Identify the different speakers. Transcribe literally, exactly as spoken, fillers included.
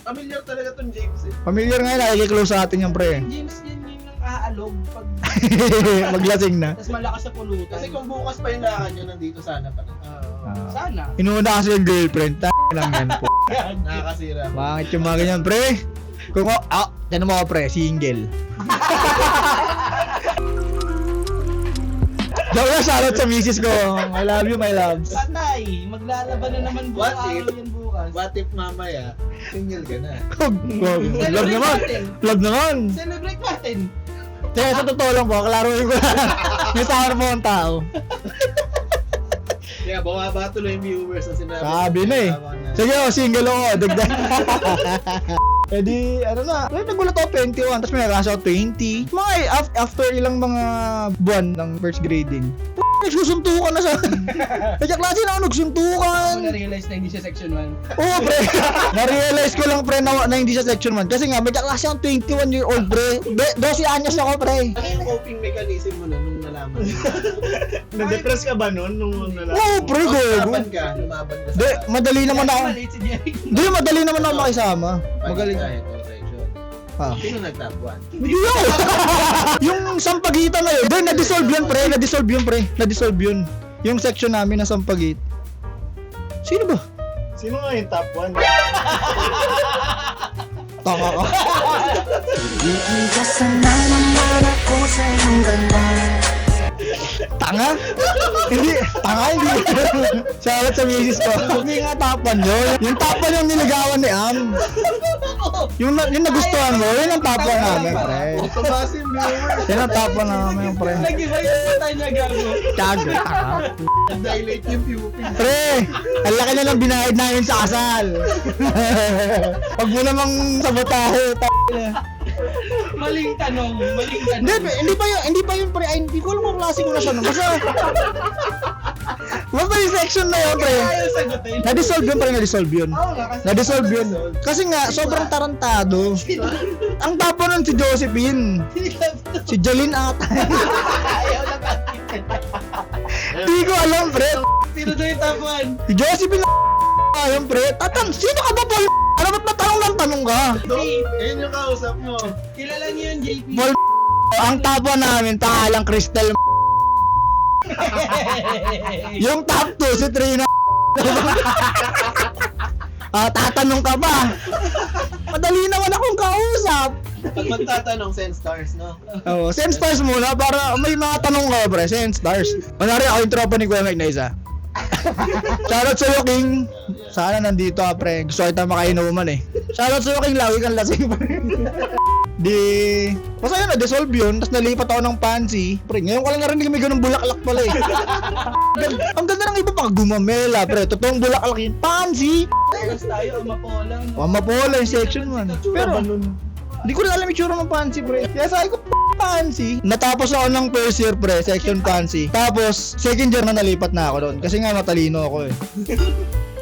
Speaker 1: Familiar talaga tong James eh.
Speaker 2: Familiar nga yun, nakikiclose sa atin yung pre.
Speaker 3: James yan yung aalog pag
Speaker 2: Maglasing na.
Speaker 3: tas malakas sa pulutan.
Speaker 1: Kasi kung bukas pa yung lakad nyo, nandito sana pa rin.
Speaker 3: Oo.
Speaker 2: Ah.
Speaker 3: Sana.
Speaker 2: Inuuna kasi yung girlfriend. Ta lang yan po.
Speaker 1: Nakakasira.
Speaker 2: Bakit yung mga ganyan, pre? Kung ako, ah, tanong mo ako, pre, single. Daw na, shoutout sa misis ko. I love you, my loves.
Speaker 3: Patay! Maglalaban na naman buong
Speaker 1: What
Speaker 3: araw
Speaker 1: if-
Speaker 3: yan bukas.
Speaker 1: What if mamaya, single ka na?
Speaker 2: Kog, kog. Love naman. Love naman.
Speaker 3: Celebrate natin!
Speaker 2: Kaya sa totoo lang po, klaruin ko lang. May tawar mo ang tao.
Speaker 1: Kaya bumaba tuloy yung viewers na sinabi.
Speaker 2: Sabi na eh. Sige, oh, single ako. Dagdag. Eh di, ano na, well, nagulat ako twenty-one, tapos may nakaso ako twenty. Mga eh, af- after ilang mga buwan ng first grading, p- nagsusuntukan na sa... Kaya klase na ako
Speaker 3: Ako
Speaker 2: nagsuntukan.
Speaker 3: na-realize na hindi siya section one.
Speaker 2: Oo, pre. Na-realize ko lang, pre, na, na hindi siya section one. Kasi nga, may kaklase akong twenty-one year old, pre. Be- twelve anyos ako, pre.
Speaker 1: Ano yung coping mechanism mo na nung nalaman mo?
Speaker 4: Na-depress ka ba nun nung nalaman?
Speaker 2: Oo, pre, gogo.
Speaker 1: Lumaban ka, lumaban ka sa...
Speaker 2: Di, madali naman ako.
Speaker 3: Maliit si Jerry.
Speaker 2: Di, madali naman ako makisama. Magaling.
Speaker 1: Kahit o section.
Speaker 2: Ah.
Speaker 1: Sino nag-top one?
Speaker 2: Hindi ako. Yung sampagitan na yun. Doon, na-dissolve yun, pre. Na-dissolve yun, pre. Na-dissolve yun. Yung section namin na sampagit. Sino ba?
Speaker 4: Sino nga yung top one?
Speaker 2: Tama ka.
Speaker 5: Iigasan na naman ako sa iyong ganda.
Speaker 2: Tanga? Hindi. Tanga, hindi. Shoutout sa misis ko. Hindi nga tapan yun. Yung tapan yung niligawan ni Am. Yung, na- yung nagustuhan mo, yun ang tapan namin, pre.
Speaker 1: Tumasi yung viewers.
Speaker 2: Yan ang tapan namin, pre.
Speaker 3: Nag-iba yung patay niya gago.
Speaker 2: Kago, tanga.
Speaker 1: Dilate yung pupil.
Speaker 2: Pre, ang laki na lang binayad namin sa kasal. Pag mo namang sabotahe, t***.
Speaker 3: Maling tanong, maling tanong.
Speaker 2: Hindi, pre, hindi pa yun, hindi pa yun, pre. Ay, hindi ko alam kung klase ko na siya. No? Basta, basta yung section na yun, pre.
Speaker 3: Ayaw sagutin.
Speaker 2: Na-dissolve yun, pre, na-dissolve yun.
Speaker 3: Oo nga kasi.
Speaker 2: Na-dissolve yun. Kasi nga, sobrang tarantado. Ang tapo nun si Josephine. Si Jolene ata.
Speaker 3: Ayaw na kasi.
Speaker 2: Hindi ko alam, pre.
Speaker 3: Sino daw yung tapuan?
Speaker 2: Si Josephine ayun, pre. Tatan, sino ka ba, Paul? Ano ba't natanong lang tanong ka?
Speaker 1: Ayun yung kausap mo.
Speaker 3: Kilala niyo yun, J P.
Speaker 2: Paul, ang tapo namin, pangalang Crystal. Yung top two, si Trina. Ah, tatanong ka ba? Madali naman akong kausap.
Speaker 1: Pag magtatanong, send stars, no?
Speaker 2: Oo, send stars muna para may mga tanong ka, pre. Send stars. Manari ako yung tropa ni Kuya Mike na isa. Shoutout sa'yo, King. Sana nandito ka, pre. Gusto kita makainuman eh. Shoutout sa'yo, King. Lagi kang lasing, pre. Di... Basta yun, na-dissolve yun. Tapos nalipat ako ng pansy. Pre, ngayon ko lang narinig may ganung bulaklak pala eh. Ang ganda ng iba pa, gumamela, pre. Totoong bulaklak yun. Pansy!
Speaker 3: Tapos tayo, amapolang.
Speaker 2: Wamapola yung section one. Pero, hindi ko rin alam yung tsura ng pansy, pre. Kaya sabi ko, pansy. Natapos ako ng first year, pre, section pansy. Tapos, second year na nalipat na ako doon. Kasi nga matalino ako eh.